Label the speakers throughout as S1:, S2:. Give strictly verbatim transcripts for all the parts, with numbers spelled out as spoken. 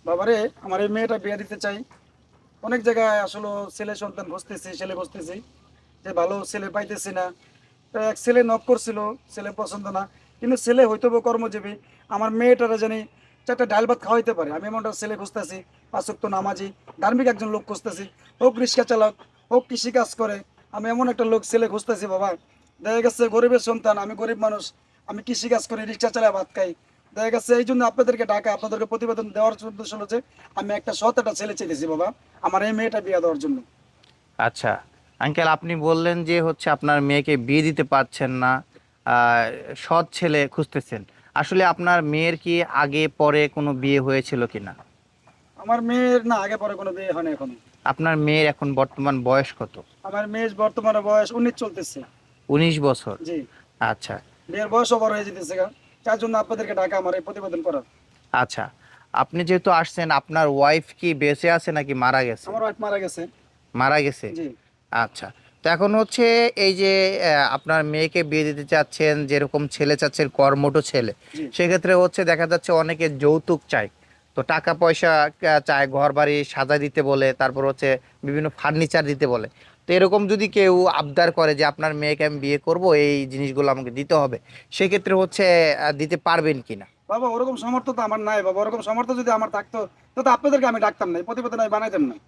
S1: বাবারে, আমার এই মেয়েটা বিয়ে দিতে চাই। অনেক জায়গায় আসলে ছেলে সন্তান খুঁজতেছি, ছেলে খুঁজতেছি, যে ভালো ছেলে পাইতেছি না। তো এক ছেলে নক করছিল, ছেলে পছন্দ না, কিন্তু ছেলে হয়তো বা কর্মজীবী। আমার মেয়েটারা জানি চারটা ডাল ভাত খাওয়াইতে পারে, আমি এমনটা ছেলে খুঁজতেছি। পাঁচক্ত নামাজি, ধার্মিক একজন লোক খুঁজতেছি। হোক রিক্সা চালক, হোক কৃষি কাজ করে, আমি এমন একটা লোক ছেলে খুঁজতেছি বাবা। দেখা গেছে গরিবের সন্তান, আমি গরিব মানুষ, আমি কৃষি কাজ করি, রিক্সা চালায় ভাত খাই। দেখা গেছে এই জন্য আপনাদেরকে ডাকা, আপনাদেরকে প্রতিবেদন দেওয়ার উদ্দেশ্য হলো যে আমি একটা সৎ একটা ছেলে চেয়েছি বাবা, আমার এই মেয়েটা বিয়ে দেওয়ার জন্য।
S2: আচ্ছা আঙ্কেল, আপনি বললেন যে হচ্ছে আপনার মেয়েকে বিয়ে দিতে পারছেন না, আহ, সৎ ছেলে খুঁজতেছেন। আসলে আপনার মেয়ের কি আগে পরে কোনো বিয়ে হয়েছিল কিনা?
S1: আমার মেয়ের না আগে পরে কোনো বিয়ে হয়নি এখনো।
S2: আপনার মেয়ের এখন বর্তমান বয়স কত?
S1: আমার মেয়ের বর্তমানে বয়স উনিশ চলতেছে।
S2: উনিশ বছর।
S1: জি।
S2: আচ্ছা।
S1: বিয়ের বয়স ওভার হয়ে যেতেছে গা, যার জন্য আপনাদেরকে ডাকা আমার এই প্রতিবেদন করার।
S2: আচ্ছা, আপনি যেহেতু আসছেন, আপনার ওয়াইফ কি বেঁচে আছে নাকি মারা গেছে?
S1: আমার ওয়াইফ মারা গেছে।
S2: মারা গেছে।
S1: জি।
S2: আচ্ছা, তো এখন হচ্ছে এই যে আহ, আপনার মেয়েকে বিয়ে দিতে চাচ্ছেন, যেরকম ছেলে চাচ্ছেন কর্মঠ ছেলে,
S1: জি।
S2: সেক্ষেত্রে হচ্ছে দেখা যাচ্ছে অনেকে যৌতুক চায়। তো টাকা পয়সা আহ, চায়, ঘর বাড়ি সাজা দিতে বলে, তারপর হচ্ছে বিভিন্ন ফার্নিচার দিতে বলে। তো এরকম যদি কেউ আবদার করে যে আপনার মেয়েকে আমি বিয়ে করব, এই জিনিসগুলো আমাকে দিতে হবে, সেক্ষেত্রে হচ্ছে আহ, দিতে পারবেন কিনা?
S1: বাবা ওরকম সামর্থ্য তো আমার নাই বাবা, ওরকম সামর্থ্য যদি আমার থাকতো তো তো আপনাদেরকে আমি ডাকতাম না, এই প্রতিবেদন আমি বানাইতাম না,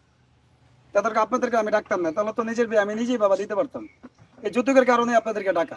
S1: তাদেরকে আপনাদেরকে আমি ডাকতাম না, তাহলে তো নিজের বিয়ে আমি নিজেই বাবা দিতে পারতাম। এই যৌতুকের কারণে আপনাদেরকে ডাকা,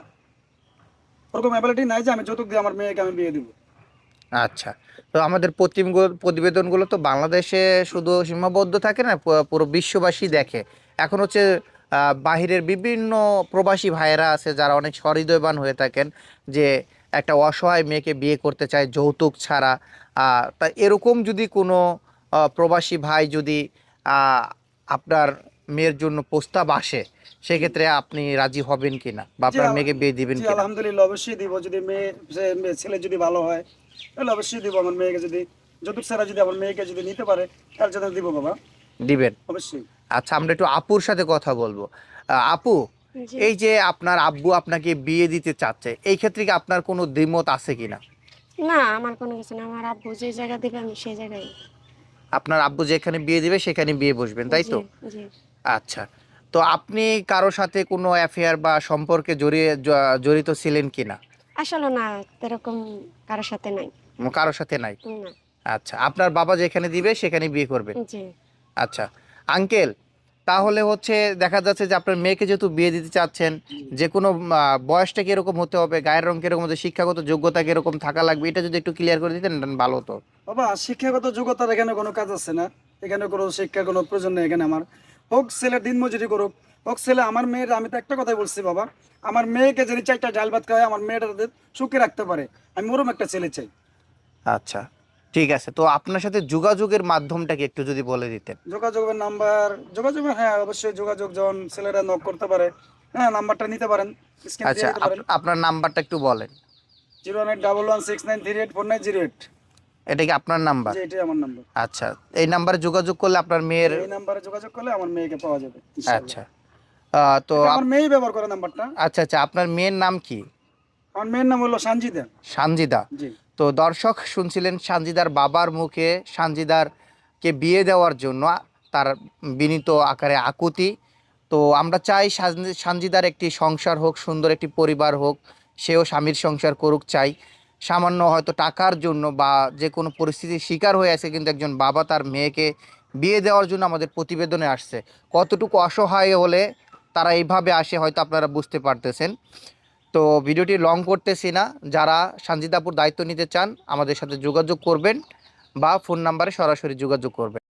S1: ওরকম অ্যাবিলিটি নাই যে আমি যৌতুক দিয়ে আমার মেয়েকে আমি বিয়ে দিব।
S2: আচ্ছা, তো আমাদের প্রতিমগু- প্রতিবেদনগুলো তো বাংলাদেশে শুধু সীমাবদ্ধ থাকে না, পু- পুরো বিশ্ববাসী
S1: জি।
S2: দেখে। এখন হচ্ছে আহ, বাহিরের বিভিন্ন প্রবাসী ভাইয়েরা আছে যারা অনেক সহৃদয়বান হয়ে থাকেন, যে একটা অসহায় মেয়েকে বিয়ে করতে চায় যৌতুক ছাড়া। আহ, তা এরকম যদি কোনো আহ, প্রবাসী ভাই যদি আহ, আপনার মেয়ের জন্য প্রস্তাব আসে,
S1: জি।
S2: সেক্ষেত্রে আপনি রাজি হবেন কিনা বা
S1: জি
S2: আপনার
S1: আল-
S2: মেয়েকে বিয়ে দিবেন
S1: জি
S2: কিনা?
S1: আলহামদুলিল্লাহ অবশ্যই দিব, যদি মেয়ে সে- মেয়ে- ছেলে যদি ভালো হয় তাহলে অবশ্যই দিব আমার মেয়েকে, যদি যৌতুক ছাড়া যদি আমার মেয়েকে যদি নিতে পারে তার জন্য দিব বাবা,
S2: দিবেন।
S1: অবশ্যই।
S2: আচ্ছা, আমরা একটু আপুর সাথে কথা বলবো। আহ, আপু,
S3: জি।
S2: এই যে আপনার আব্বু আপনাকে বিয়ে দিতে চাচ্ছে, এই ক্ষেত্রে কি আপনার কোনো দ্বিমত আছে কিনা?
S3: না, আমার কোনো কিছু না, আমার আব্বু যে জায়গা দিবে আমি সেই জায়গায়।
S2: আপনার আব্বু যেখানে বিয়ে দিবে সেখানে বিয়ে বসবেন, তাই
S3: জি।
S2: তো?
S3: জি।
S2: আচ্ছা, তো আপনি কারো সাথে কোনো অ্যাফেয়ার বা সম্পর্কে জড়িয়ে জ- জড়িত ছিলেন কিনা?
S3: আসলে না, এরকম কারোর সাথে নাই।
S2: উম, কারোর সাথে নাই।
S3: না।
S2: আচ্ছা, আপনার বাবা যেখানে দিবে সেখানে বিয়ে করবেন।
S3: জি।
S2: আচ্ছা আঙ্কেল, তাহলে হচ্ছে দেখা যাচ্ছে যে আপনার মেয়েকে যেহেতু বিয়ে দিতে চাচ্ছেন, যে কোনো আহ, বয়সটা কিরকম হতে হবে, গায়ের রং কিরকম হতে, শিক্ষাগত যোগ্যতা কিরকম থাকা লাগবে, এটা যদি একটু ক্লিয়ার করে দিতেন ভালো হতো।
S1: বাবা শিক্ষাগত যোগ্যতার এখানে কোনো কাজ আছে না, এখানে কোনো শিক্ষার কোনো প্রয়োজন নেই এখানে আমার। হোক ছেলে দিন মজুরি করুক, হোক ছেলে, আমার মেয়ের আমি তো একটা কথাই বলছি বাবা, আমার মেয়েকে যদি চারটা ডাল ভাত খাওয়ায় আমার মেয়েটা যাতে সুখে রাখতে পারে, আমি ওরম একটা ছেলে চাই।
S2: আচ্ছা, ঠিক আছে, তো আপনার সাথে যোগাযোগের মাধ্যমটা কি একটু যদি বলে দিতেন।
S1: যোগাযোগের নাম্বার, যোগাযোগের হ্যাঁ অবশ্যই যোগাযোগ যখন ছেলেরা নক করতে পারে, হ্যাঁ নাম্বারটা নিতে পারেন, স্ক্রিন দিয়ে
S2: আচ্ছা,
S1: দিতে পারেন।
S2: আপ- আপনার নাম্বারটা একটু বলেন।
S1: Zero one eight double one six nine three eight four nine zero eight.
S2: এটা কি আপনার নাম্বার?
S1: জি এটাই আমার নাম্বার।
S2: আচ্ছা, এই নাম্বারে যোগাযোগ করলে আপনার
S1: জি
S2: মেয়ের।
S1: এই নাম্বারে যোগাযোগ করলে আমার মেয়েকে পাওয়া যাবে ইনশাল্লাহ।
S2: আচ্ছা, আহ, তো
S1: এটা আমার
S2: আপ-
S1: মেয়েই ব্যবহার করে নাম্বারটা।
S2: আচ্ছা আচ্ছা, আপনার মেয়ের নাম কি?
S1: আমার মেয়ের নাম হলো সঞ্জিদা।
S2: সানজিদা।
S1: জি।
S2: তো দর্শক শুনছিলেন সানজিদার বাবার মুখে সানজিদারকে বিয়ে দেওয়ার জন্য তার বিনীত আকারে আকুতি। তো আমরা চাই সানজি- সানজিদার একটি সংসার হোক, সুন্দর একটি পরিবার হোক, সেও স্বামীর সংসার করুক চাই। সামান্য হয়তো টাকার জন্য বা যে কোনো পরিস্থিতির শিকার হয়ে আছে, কিন্তু একজন বাবা তার মেয়েকে বিয়ে দেওয়ার জন্য আমাদের প্রতিবেদনে আসছে। কতটুকু অসহায় হলে তারা এইভাবে আসে হয়তো আপনারা বুঝতে পারতেছেন। তো ভিডিওটি লং করতেছি না, যারা সানজিদাপুর দায়িত্ব নিতে চান আমাদের সাথে যোগাযোগ করবেন বা ফোন নাম্বারে সরাসরি যোগাযোগ করবেন।